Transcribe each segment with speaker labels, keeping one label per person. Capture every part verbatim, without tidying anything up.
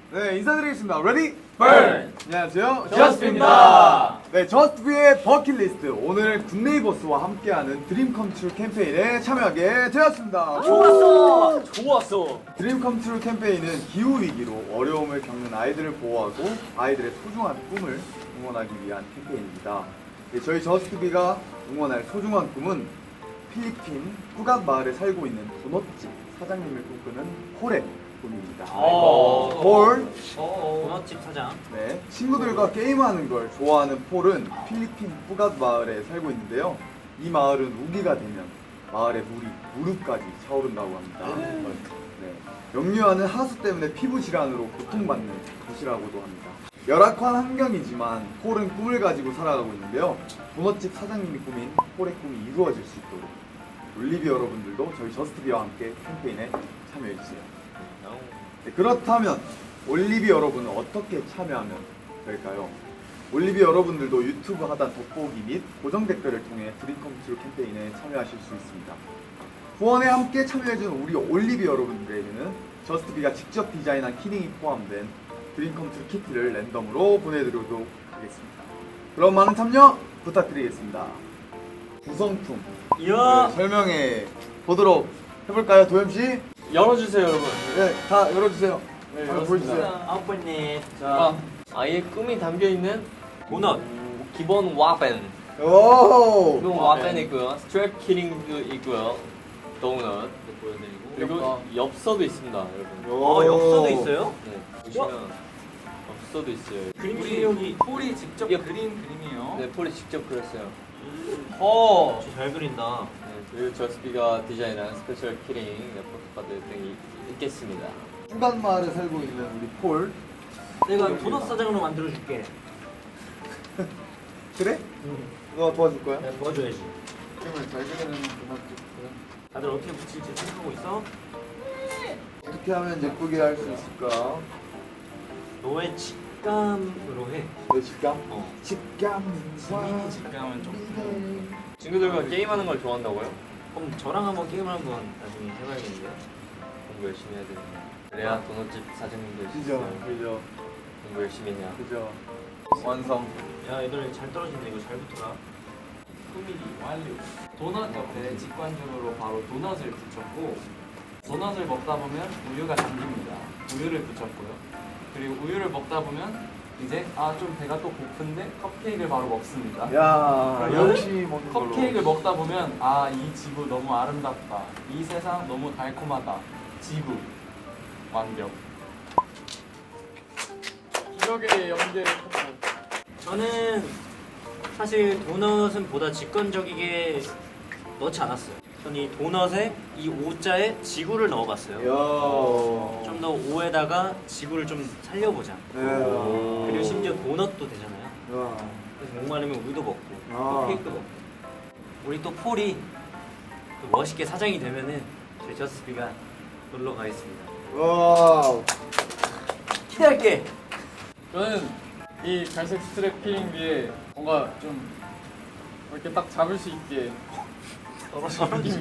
Speaker 1: 네, 인사드리겠습니다. 레디?
Speaker 2: 번!
Speaker 1: 안녕하세요.
Speaker 2: 저스트입니다.
Speaker 1: 네, 저스트비의 버킷리스트. 오늘 굿네이버스와 함께하는 드림 컴트루 캠페인에 참여하게 되었습니다.
Speaker 2: 좋았어! 좋았어!
Speaker 1: 드림 컴트루 캠페인은 기후 위기로 어려움을 겪는 아이들을 보호하고 아이들의 소중한 꿈을 응원하기 위한 캠페인입니다. 네, 저희 저스트비가 응원할 소중한 꿈은 필리핀 푸갓 마을에 살고 있는 도넛집 사장님을 꿈꾸는 폴의 꿈입니다.
Speaker 2: 어.
Speaker 1: 폴.
Speaker 2: 도넛집 사장.
Speaker 1: 네, 친구들과 게임하는 걸 좋아하는 폴은 필리핀 푸갓 마을에 살고 있는데요. 이 마을은 우기가 되면 마을의 물이 무릎까지 차오른다고 합니다. 네, 역류하는 하수 때문에 피부 질환으로 고통받는 곳이라고도 합니다. 열악한 환경이지만 폴은 꿈을 가지고 살아가고 있는데요. 도넛집 사장님이 꾸민 폴의 꿈이 이루어질 수 있도록 올리비 여러분들도 저희 저스트비와 함께 캠페인에 참여해주세요. 네, 그렇다면 올리비 여러분은 어떻게 참여하면 될까요? 올리비 여러분들도 유튜브 하단 돋보기 및 고정 댓글을 통해 드림컴트루 캠페인에 참여하실 수 있습니다. 후원에 함께 참여해준 우리 올리비 여러분들에게는 저스트비가 직접 디자인한 키링이 포함된 드림컴트루 키트를 랜덤으로 보내드리도록 하겠습니다. 그럼 많은 참여 부탁드리겠습니다. 구성품
Speaker 2: 이야!
Speaker 1: 네, 설명해 보도록 해볼까요, 도겸씨?
Speaker 3: 열어주세요, 여러분.
Speaker 1: 네, 다 열어주세요.
Speaker 3: 네,
Speaker 1: 한번
Speaker 3: 열었습니다.
Speaker 1: 보여주세요.
Speaker 2: 아버님.
Speaker 3: 자, 아이의 꿈이 담겨 있는
Speaker 2: 도넛.
Speaker 3: 음, 기본 와펜.
Speaker 1: 오!
Speaker 3: 기본 와펜 있고요. 스트랩 키링도 있고요. 도넛 보여드리고 그리고 엽서도 있습니다, 여러분.
Speaker 2: 어, 엽서도 있어요?
Speaker 3: 네, 보시면 엽서도 있어요.
Speaker 2: 그림 실력이.
Speaker 4: 폴이 직접
Speaker 3: 이게-
Speaker 4: 그린 그림이에요.
Speaker 3: 네, 폴이 직접 그렸어요.
Speaker 2: 어, 잘 그린다.
Speaker 3: 네, 그리고 저스비가 디자인한 스페셜 키링, 네, 포토카드 등이 있겠습니다.
Speaker 1: 푸갓 마을에 살고 있는 우리 폴.
Speaker 2: 내가 도넛 사장으로 만들어줄게.
Speaker 1: 그래?
Speaker 2: 응.
Speaker 1: 너 도와줄 거야?
Speaker 2: 내가 도와줘야지.
Speaker 1: 그림을 잘 그리는 도넛집.
Speaker 2: 다들 어떻게 붙일지 생각하고 있어?
Speaker 1: 어떻게 하면 예쁘게 할 수 있을까?
Speaker 2: 너의 직감으로 해.
Speaker 1: 내 직감?
Speaker 2: 어.
Speaker 1: 직감.
Speaker 4: 시민이 직감은 좀
Speaker 3: 친구들과 게임하는 걸 좋아한다고요?
Speaker 2: 그럼 저랑 한번 게임을 한번 나중에 해봐야겠는데요?
Speaker 3: 공부 열심히 해야 됩니다. 그래야 도넛집 사장님도
Speaker 1: 그죠,
Speaker 3: 있어요.
Speaker 1: 그죠,
Speaker 3: 공부 열심히 해야.
Speaker 1: 그죠. 완성.
Speaker 2: 야, 얘들 잘 떨어진다. 이거 잘 붙어라.
Speaker 4: 꾸미기 완료. 도넛 옆에 직관적으로 바로 도넛을 붙였고 도넛을 먹다 보면 우유가 잠깁니다. 우유를 붙였고요. 그리고 우유를 먹다 보면 이제 아 좀 배가 또 고픈데 컵케이크를 바로 먹습니다.
Speaker 1: 야,
Speaker 4: 그러면
Speaker 1: 열심히 먹는 걸로.
Speaker 4: 컵케이크를 먹다 보면 아 이 지구 너무 아름답다. 이 세상 너무 달콤하다. 지구 완벽.
Speaker 3: 기억의 연계.
Speaker 2: 저는 사실 도넛은 보다 직관적이게 넣지 않았어요. 저는 이 도넛에 이 오자에 지구를 넣어봤어요.
Speaker 1: 야.
Speaker 2: 좀 더 오에다가 지구를 좀 살려보자.
Speaker 1: 네.
Speaker 2: 그리고 심지어 도넛도 되잖아요.
Speaker 1: 야.
Speaker 2: 그래서 목마르면 우유도 먹고
Speaker 1: 아.
Speaker 2: 또 케이크도 먹고. 우리 또 폴이 또 멋있게 사장이 되면은 저희 저스비가 놀러 가겠습니다.
Speaker 1: 와우.
Speaker 2: 기대할게.
Speaker 5: 저는 이 갈색 스트랩 키링 위에 뭔가 좀 이렇게 딱 잡을 수 있게
Speaker 2: 떨어지게.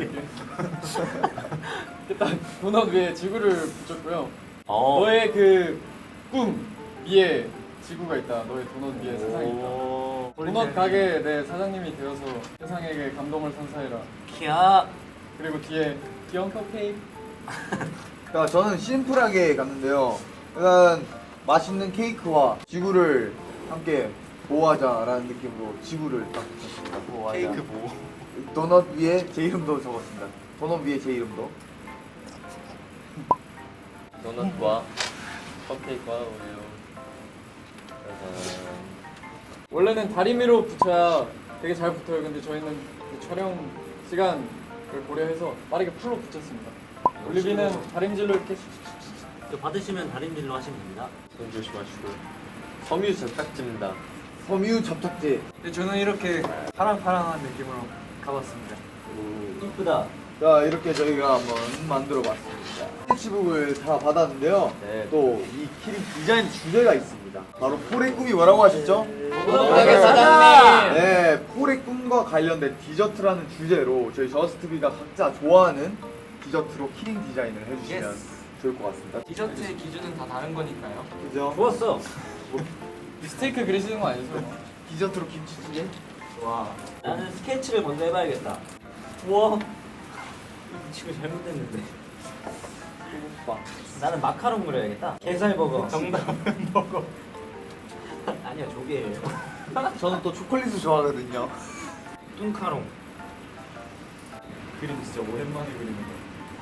Speaker 5: 이렇게 딱 도넛 위에 지구를 붙였고요.
Speaker 2: 어.
Speaker 5: 너의 그 꿈 위에 지구가 있다. 너의 도넛 위에 세상이 있다.
Speaker 2: 오.
Speaker 5: 도넛 가게 내 사장님이 되어서 세상에게 감동을 선사해라.
Speaker 2: 키야.
Speaker 5: 그리고 뒤에 귀여운 컵케이크.
Speaker 1: 자, 저는 심플하게 갔는데요. 일단 맛있는 케이크와 지구를 함께 보호하자라는 느낌으로 지구를 딱 붙였습니다. 보호하자.
Speaker 2: 케이크 뭐?
Speaker 1: 도넛 위에 제 이름도 적었습니다. 도넛 위에 제 이름도.
Speaker 3: 도넛과 컵케이크와 우유. 짜잔.
Speaker 5: 원래는 다리미로 붙여야 되게 잘 붙어요. 근데 저희는 그 촬영 시간을 고려해서 빠르게 풀로 붙였습니다. 올리비는 다림질로 이렇게
Speaker 2: 그 받으시면 다림질로 하시면 됩니다.
Speaker 3: 손 조심하시고. 섬유 접착제입니다.
Speaker 1: 섬유 접착제.
Speaker 4: 근데 저는 이렇게 파랑파랑한 느낌으로 가봤습니다.
Speaker 2: 이쁘다.
Speaker 1: 자, 이렇게 저희가 한번 만들어 봤습니다. 스케치북을 다 받았는데요.
Speaker 3: 네.
Speaker 1: 또 이 키링 디자인 주제가 있습니다. 바로 폴의 꿈이 뭐라고 하셨죠?
Speaker 3: 도넛가게 사장님!
Speaker 1: 네, 폴의 꿈과 관련된 디저트라는 주제로 저희 저스트비가 각자 좋아하는 디저트로 키링 디자인을 해주시면 좋을 것 같습니다.
Speaker 4: 디저트의 기준은 다 다른 거니까요.
Speaker 1: 그죠?
Speaker 2: 좋았어.
Speaker 5: 스테이크 그리시는 거 아니죠?
Speaker 1: 디저트로 김치찌개?
Speaker 4: 와.
Speaker 2: 나는 스케치를 먼저 해봐야겠다. 우와. 지금 잘못됐는데.
Speaker 1: 소금빵.
Speaker 2: 나는 마카롱 그려야겠다. 게살버거.
Speaker 4: 정답은 먹어.
Speaker 2: 아니야 조개예요.
Speaker 1: 저는 또 초콜릿을 좋아하거든요.
Speaker 2: 뚱카롱.
Speaker 4: 그림 진짜 오랜만에 그리는 거.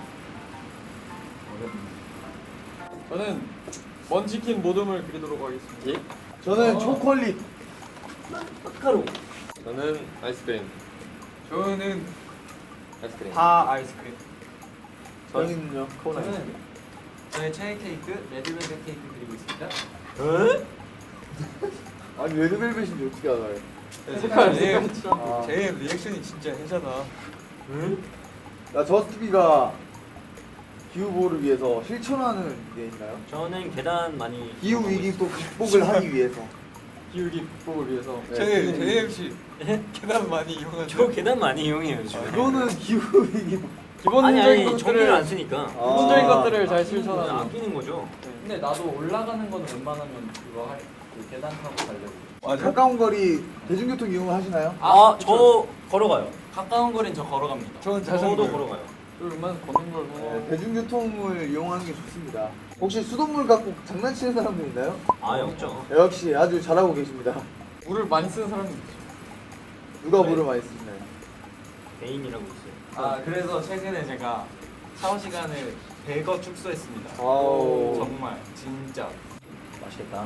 Speaker 4: 어렵네.
Speaker 5: 저는 먼치킨 모듬을 그리도록 하겠습니다.
Speaker 3: 예?
Speaker 1: 저는
Speaker 5: 어.
Speaker 1: 초콜릿.
Speaker 2: 마카롱.
Speaker 3: 저는 아이스크림.
Speaker 5: 저는
Speaker 3: 아이스크림.
Speaker 4: 다 아이스크림.
Speaker 1: 저는요.
Speaker 3: 코너.
Speaker 4: 저는 저의 최애 케이크 레드벨벳 케이크 그리고 있습니다.
Speaker 2: 에?
Speaker 1: 아니 레드벨벳인지 어떻게 알아요?
Speaker 5: 색깔
Speaker 4: 제,
Speaker 1: 아.
Speaker 4: 제 리액션이 진짜 해자다.
Speaker 2: 응?
Speaker 1: 나 저스트비가 기후보호를 위해서 실천하는 게 있나요?
Speaker 2: 저는 계단 많이.
Speaker 1: 기후 위기 또 극복을 하기 위해서.
Speaker 5: 기울기 극복을 위해서.
Speaker 1: 네.
Speaker 4: 제 제이엠씨 계단 많이 이용하죠.
Speaker 2: 저 계단 많이 이용해요 요즘에.
Speaker 1: 이거는 기후 위기.
Speaker 5: 기본적인
Speaker 2: 아니 아니
Speaker 5: 것들을
Speaker 2: 전기를 안 쓰니까.
Speaker 5: 기본적인
Speaker 1: 아.
Speaker 5: 것들을 잘
Speaker 2: 아끼는 거죠,
Speaker 5: 실천하는.
Speaker 2: 아끼는 거죠.
Speaker 4: 근데 나도 올라가는 거는 웬만하면 그거 할, 그 계단 타고 가려고.
Speaker 1: 가까운 거리 대중교통 이용을 하시나요?
Speaker 2: 아 저 걸어가요.
Speaker 4: 가까운 거리는 저 걸어갑니다.
Speaker 5: 저는
Speaker 2: 저도 걸어가요.
Speaker 5: 웬만 걷는 걸
Speaker 1: 네,
Speaker 5: 선호하고.
Speaker 1: 대중교통을 이용하는 게 좋습니다. 혹시 수돗물 갖고 장난치는 사람들 있나요?
Speaker 2: 아예 없죠.
Speaker 1: 역시 아주 잘하고 계십니다.
Speaker 5: 물을 많이 쓰는 사람이 있죠.
Speaker 1: 누가 물을 많이 쓰시나요?
Speaker 2: 개인이라고 있어요.
Speaker 4: 아 그래서 최근에 제가 샤워 시간을 백 어 축소했습니다.
Speaker 1: 아우.
Speaker 4: 정말 진짜.
Speaker 2: 맛있겠다.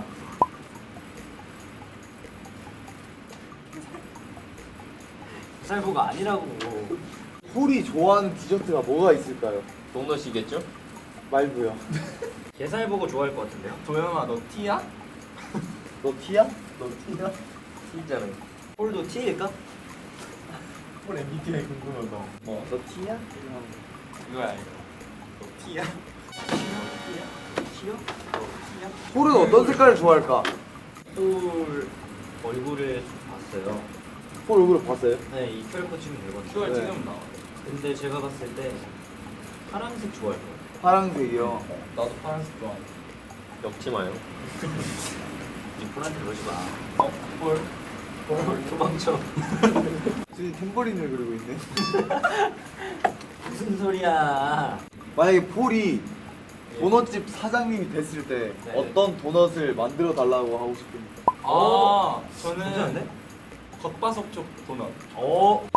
Speaker 2: 쌀보가 아니라고.
Speaker 1: 폴이 좋아하는 디저트가 뭐가 있을까요?
Speaker 3: 도넛이겠죠?
Speaker 1: 말고요.
Speaker 2: 게살버거 좋아할 것 같은데요?
Speaker 4: 도영아 너 T야?
Speaker 1: 너 T야?
Speaker 2: 너 T야?
Speaker 3: T잖아요.
Speaker 2: 홀도 T일까?
Speaker 4: 폴 엠비티아이 궁금하다.
Speaker 1: 어, 너 T야?
Speaker 4: 이거야 이거. 너 T야?
Speaker 2: T요? 너 T야?
Speaker 1: 폴은 어떤 색깔을 좋아할까?
Speaker 2: 홀 얼굴을 봤어요.
Speaker 1: 폴 얼굴을 봤어요?
Speaker 2: 네, 이 큐알코드 찍으면 되거든요.
Speaker 4: 큐알
Speaker 1: 네.
Speaker 4: 찍으면 나와.
Speaker 2: 근데 제가 봤을 때 파란색 좋아할 것 같아요.
Speaker 1: 파란색이요.
Speaker 4: 나도 파란색 좋아해.
Speaker 3: 엮지 마요.
Speaker 2: 이 폴한테 그러지 마.
Speaker 4: 어? 폴?
Speaker 2: 폴 도망쳐.
Speaker 1: 지금 탬버린을 그리고 있네.
Speaker 2: 무슨 소리야?
Speaker 1: 만약에 폴이 도넛집 사장님이 됐을 때
Speaker 2: 네.
Speaker 1: 어떤 도넛을 만들어 달라고 하고 싶습니까?
Speaker 4: 아 저는
Speaker 2: 괜찮은데?
Speaker 4: 겉바속 쪽 도넛.
Speaker 2: 어?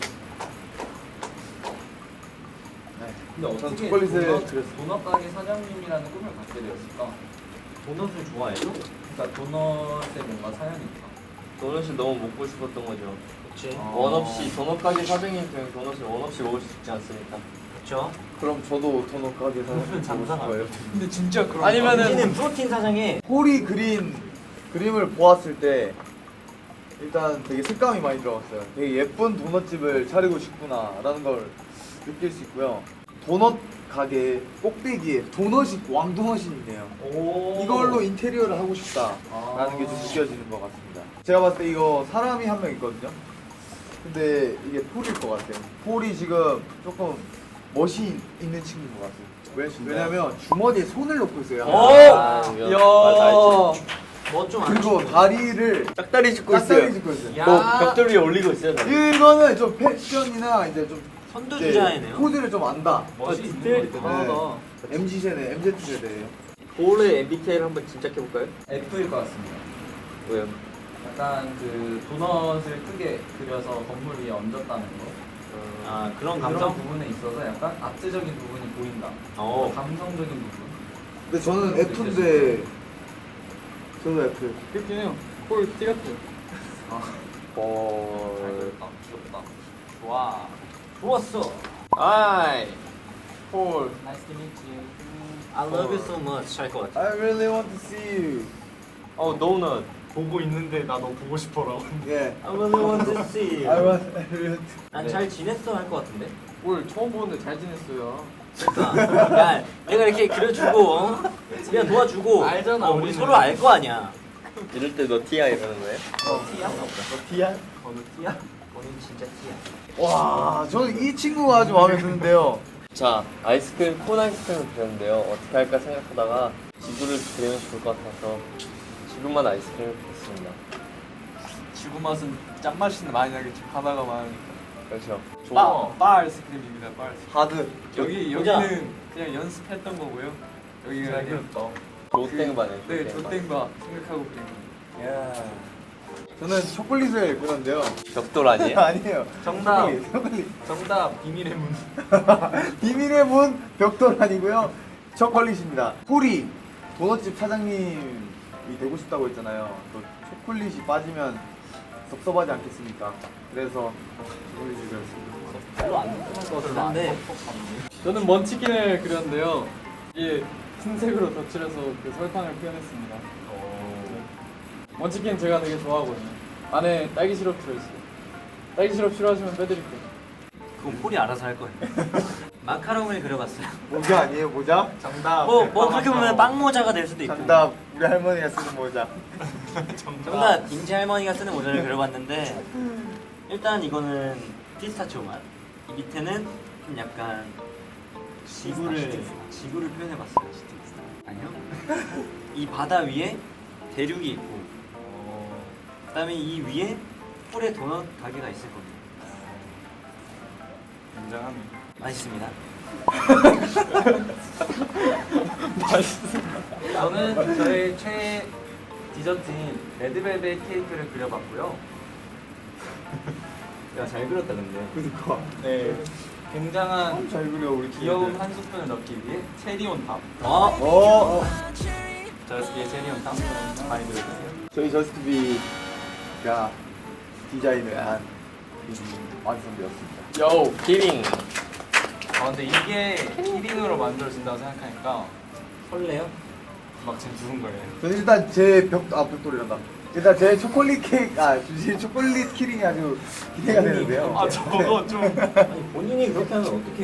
Speaker 4: 근데
Speaker 1: 전
Speaker 4: 어떻게
Speaker 1: 초콜릿을
Speaker 4: 도넛,
Speaker 1: 그렸어요.
Speaker 4: 도넛 가게 사장님이라는 꿈을 갖게 되었을까?
Speaker 2: 도넛을 좋아해요?
Speaker 4: 그러니까 도넛에 뭔가 사연이 있다.
Speaker 3: 도넛이 너무 먹고 싶었던 거죠.
Speaker 2: 그치.
Speaker 4: 아.
Speaker 3: 원 없이 도넛 가게 사장님 되면 도넛을 원 없이 먹을 수 있지 않습니까?
Speaker 2: 그쵸.
Speaker 1: 그럼 저도 도넛 가게 사장님 되고
Speaker 2: 장사가
Speaker 1: 싶어요.
Speaker 4: 근데 진짜 그런
Speaker 5: 아니면은-
Speaker 2: 우리는 프로틴 사장에
Speaker 1: 폴이 그린 그림을 보았을 때 일단 되게 색감이 많이 들어갔어요. 되게 예쁜 도넛집을 차리고 싶구나라는 걸 느낄 수 있고요. 도넛 가게 꼭대기에 도넛이 왕도넛이 있네요.
Speaker 2: 오.
Speaker 1: 이걸로 인테리어를 하고 싶다라는 게 좀 느껴지는 것 같습니다. 제가 봤을 때 이거 사람이 한 명 있거든요. 근데 이게 폴일 것 같아요. 폴이 지금 조금 멋이 있는 친구인 것 같아요. 왜, 왜냐면 주머니에 손을 넣고 있어요.
Speaker 2: 오!
Speaker 3: 아, 이거
Speaker 5: 이야.
Speaker 3: 말 알지.
Speaker 2: 뭐좀
Speaker 1: 그리고 다리를
Speaker 3: 짝다리 짚고
Speaker 1: 짝다리
Speaker 3: 있어요.
Speaker 1: 짚고 있어요.
Speaker 4: 야.
Speaker 3: 뭐 벽돌 위에 올리고 있어요. 다리.
Speaker 1: 이거는 좀 패션이나 이제 좀
Speaker 2: 선두
Speaker 1: 이제
Speaker 2: 주자이네요.
Speaker 1: 포즈를 좀 안다.
Speaker 4: 멋이
Speaker 5: 아,
Speaker 4: 있는
Speaker 5: 디테일이
Speaker 4: 것
Speaker 5: 대단하다.
Speaker 1: 네. 엠지 세대, 엠지 세대예요.
Speaker 3: 볼의 엠비티아이를 한번 짐작해 볼까요?
Speaker 4: F일 것 같습니다.
Speaker 3: 왜요?
Speaker 4: 약간 그 도넛을 크게 그려서 건물 위에 얹었다는 거.
Speaker 2: 아 그런
Speaker 4: 그런
Speaker 2: 감성?
Speaker 4: 부분에 있어서 약간 아트적인 부분이 보인다.
Speaker 2: 어.
Speaker 4: 감성적인 부분.
Speaker 1: 근데 저는 F인데 저도 F.
Speaker 5: 그렇긴 해요. 폴 T 같아요.
Speaker 3: 볼.
Speaker 4: 잘 그렸다. 귀엽다. 좋아.
Speaker 2: 좋았어.
Speaker 3: 아이.
Speaker 5: 폴.
Speaker 4: Nice to meet you.
Speaker 2: I love you so much 할 것 같아.
Speaker 1: I really want to see you.
Speaker 3: 어 도넛.
Speaker 4: 보고 있는데 나 너 보고 싶어라고.
Speaker 1: 예.
Speaker 2: I really want to see
Speaker 1: I
Speaker 2: you.
Speaker 1: want. I really.
Speaker 2: 난 잘 지냈어 할 것 같은데.
Speaker 5: 폴 처음 보는데 잘 지냈어요.
Speaker 2: 그러니까 야 내가 이렇게 그려주고 어? 그냥 도와주고
Speaker 4: 알잖아,
Speaker 2: 어, 우리
Speaker 4: 우리는.
Speaker 2: 서로 알 거 아니야.
Speaker 3: 이럴 때 너 티야 이러는 거예요?
Speaker 2: 어, T야?
Speaker 1: 너 T야?
Speaker 2: 어느 T야? 너는 진짜 T야.
Speaker 1: 와, 저는 이 친구가 아주 마음에 드는데요.
Speaker 3: 자, 아이스크림, 콘 아이스크림을 그렸는데요. 어떻게 할까 생각하다가 지구를 그리면 좋을 것 같아서 지구만 아이스크림을 그렸습니다.
Speaker 4: 지구 맛은 짠맛이 많이 나겠지. 바다가 많으니까.
Speaker 3: 그렇죠.
Speaker 4: 바, 바 아이스크림입니다. 바 아이스크림.
Speaker 1: 하드.
Speaker 4: 여기
Speaker 2: 보자.
Speaker 4: 여기는 그냥 연습했던 거고요. 여기가
Speaker 1: 잘
Speaker 4: 그냥
Speaker 3: 조땡바네.
Speaker 4: 네, 조땡바 생각하고 그린 거예요.
Speaker 1: 저는 초콜릿을 그렸는데요.
Speaker 3: 벽돌 아니에요?
Speaker 1: 아니에요.
Speaker 4: 정답.
Speaker 1: 초콜릿, 초콜릿.
Speaker 4: 정답 비밀의 문.
Speaker 1: 비밀의 문 벽돌 아니고요. 초콜릿입니다. 폴이 도넛집 사장님이 되고 싶다고 했잖아요. 또 초콜릿이 빠지면 섭섭하지 않겠습니까? 그래서 초콜릿을 그렸습니다.
Speaker 2: 별로 안 궁금한 것 같긴 한데
Speaker 5: 저는 먼치킨을 그렸는데요. 이게 흰색으로 덧칠해서 그 설탕을 표현했습니다. 먼치킨 제가 되게 좋아하거든요. 안에 딸기 시럽 들어있어요. 딸기 시럽 싫어하시면 빼드릴게요.
Speaker 2: 그건 폴이 알아서 할 거예요. 마카롱을 그려봤어요.
Speaker 1: 모자 아니에요? 모자? 정답.
Speaker 2: 뭐, 뭐 그렇게 보면 빵 모자가 될 수도 있고.
Speaker 1: 정답. 우리 할머니가 쓰는 모자.
Speaker 2: 정답 임채 할머니가 쓰는 모자를 그려봤는데 일단 이거는 피스타치오 맛. 이 밑에는 좀 약간 지구를 지구를 표현해봤어요. 아니요. 이 바다 위에 대륙이 있고, 그다음에 이 위에 폴의 도넛 가게가 있을 겁니다.
Speaker 4: 굉장하네.
Speaker 2: 맛있습니다.
Speaker 4: 저는 저의 최애 디저트인 레드벨벳 케이크를 그려봤고요.
Speaker 2: 야, 잘 그렸다 근데.
Speaker 1: 그니까.
Speaker 4: 네, 굉장한
Speaker 1: 잘 그려 우리
Speaker 4: 귀여운
Speaker 1: 친구들.
Speaker 4: 한 스푼을 넣기 위해 체리 온탑.
Speaker 2: 어?
Speaker 1: 어.
Speaker 4: 저스키의 체리 온탑 많이 들어주세요.
Speaker 1: 저희 저스트비가 디자인을 한 그림이 완성되었습니다.
Speaker 3: 요, 키링.
Speaker 4: 아 근데 이게 키링으로 만들어진다고 생각하니까
Speaker 2: 설레요?
Speaker 4: 막 지금 두근거려요.
Speaker 1: 저는 일단 제 벽, 아 벽돌이란다. 일단 제 초콜릿 케이크, 아 주신 초콜릿 키링이 아주 기대가 되는데요.
Speaker 4: 아 저거 좀
Speaker 2: 아니 본인이 그렇게 하면 어떡해요?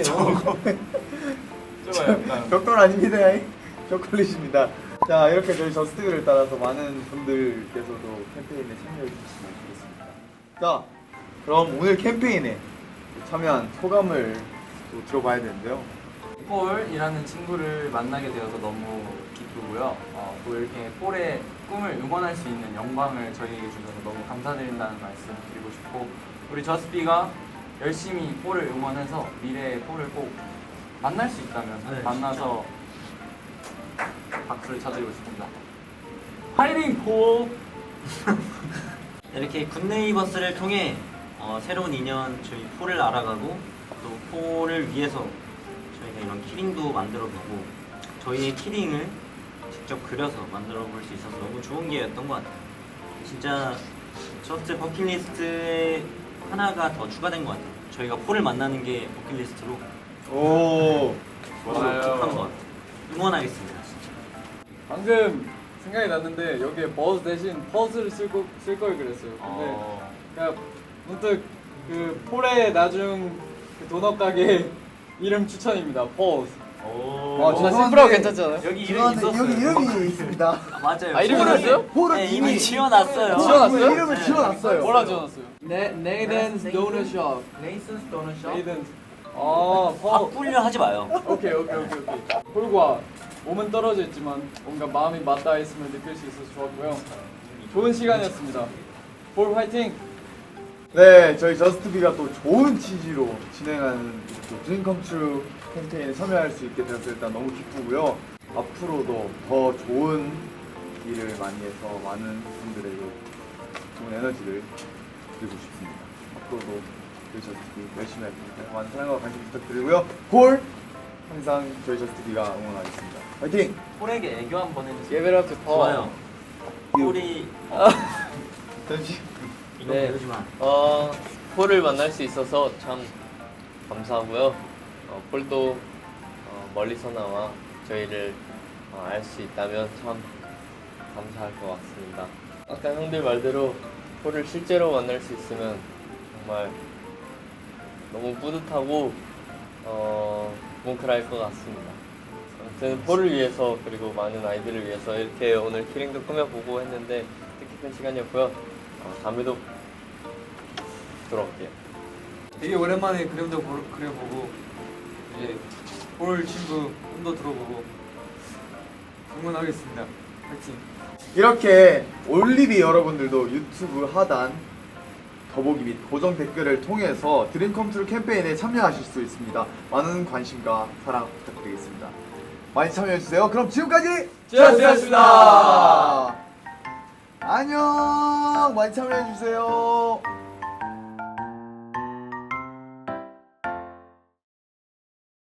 Speaker 4: 좀 약간
Speaker 1: 벽돌 아닙니다. 초콜릿입니다. 자 이렇게 저희 저스트비를 따라서 많은 분들께서도 캠페인에 참여해 주시면 좋겠습니다. 자 그럼 오늘 캠페인에 참여한 소감을 또 들어봐야 되는데요.
Speaker 4: 폴이라는 친구를 만나게 되어서 너무 기쁘고요. 어, 또 이렇게 폴의 꿈을 응원할 수 있는 영광을 저희에게 주셔서 너무 감사드린다는 말씀 드리고 싶고, 우리 저스비가 열심히 폴을 응원해서 미래의 폴을 꼭 만날 수 있다면
Speaker 2: 네,
Speaker 4: 만나서 박수를 쳐드리고 싶습니다. 파이팅 폴!
Speaker 2: 이렇게 굿네이버스를 통해 어, 새로운 인연 저희 폴을 알아가고 또 폴을 위해서 저희가 이런 키링도 만들어보고 저희의 키링을 직접 그려서 만들어 볼 수 있어서 너무 좋은 기회였던 것 같아요. 진짜 저스트 버킷리스트에 하나가 더 추가된 것 같아요. 저희가 폴을 만나는 게 버킷리스트로
Speaker 1: 오.
Speaker 2: 좋아요. 것 같아요. 응원하겠습니다. 진짜.
Speaker 5: 방금 생각이 났는데 여기에 버즈 대신 퍼즈를 쓸걸 쓸 걸 그랬어요. 근데
Speaker 2: 어,
Speaker 5: 그냥 문득 그 폴의 나중 그 도넛 가게 이름 추천입니다. 퍼즈.
Speaker 2: 오.
Speaker 1: 아,
Speaker 5: 뭔가
Speaker 1: 죄송한데
Speaker 5: 심플하고 괜찮잖아요.
Speaker 4: 여기 이름이
Speaker 1: 죄송한데
Speaker 4: 있었어요.
Speaker 1: 여기 이름이 있습니다.
Speaker 2: 아, 맞아요.
Speaker 5: 아, 이름이
Speaker 2: 폴을-
Speaker 5: 있어요?
Speaker 1: 폴은
Speaker 2: 네,
Speaker 1: 이미
Speaker 2: 이미 지어놨어요.
Speaker 5: 지어놨어요?
Speaker 1: 이름을 지어놨어요.
Speaker 5: 뭐라 지어놨어요?
Speaker 4: 네,
Speaker 5: 네이든스 도넛
Speaker 4: 네이슨스 도넛 숍.
Speaker 5: 네이든스. 아, 퍼.
Speaker 2: 바꾸려 하지 마요.
Speaker 5: 오케이 오케이 오케이 오케이. 폴과 몸은 떨어져 있지만 뭔가 마음이 맞닿아 있음을 느낄 수 있어서 좋았고요. 좋은 시간이었습니다. 폴 화이팅!
Speaker 1: 네, 저희 저스트비가 또 좋은 취지로 진행하는 드림컴트루 캠페인에 참여할 수 있게 되어서 일단 너무 기쁘고요. 앞으로도 더 좋은 일을 많이 해서 많은 분들에게 좋은 에너지를 드리고 싶습니다. 앞으로도 저희 저스트비 열심히 할 테니까 많은 사랑과 관심 부탁드리고요. 폴! 항상 저희 저스트비가 응원하겠습니다. 화이팅!
Speaker 4: 폴에게 애교 한번 해주세요.
Speaker 5: Give it up to Paul.
Speaker 2: 좋아요. 폴이
Speaker 1: 잠시
Speaker 2: 이거
Speaker 3: 네.
Speaker 2: 배우지 마.
Speaker 3: 어, 폴을 만날 수 있어서 참 감사하고요. 어, 폴도 어, 멀리서 나와 저희를 어, 알 수 있다면 참 감사할 것 같습니다. 아까 형들 말대로 폴을 실제로 만날 수 있으면 정말 너무 뿌듯하고 어, 뭉클할 것 같습니다. 아무튼 폴을 위해서 그리고 많은 아이들을 위해서 이렇게 오늘 키링도 꾸며보고 했는데 뜻깊은 시간이었고요. 어, 다음에도 돌아올게요.
Speaker 4: 되게 오랜만에 그림도 보- 그려보고 이제
Speaker 5: 올 친구 꿈도 들어보고 응원하겠습니다. 파이팅.
Speaker 1: 이렇게 올리비 여러분들도 유튜브 하단 더보기 및 고정 댓글을 통해서 드림컴트루 캠페인에 참여하실 수 있습니다. 많은 관심과 사랑 부탁드리겠습니다. 많이 참여해주세요. 그럼 지금까지
Speaker 5: 지하스였습니다.
Speaker 1: 안녕. 많이 참여해주세요.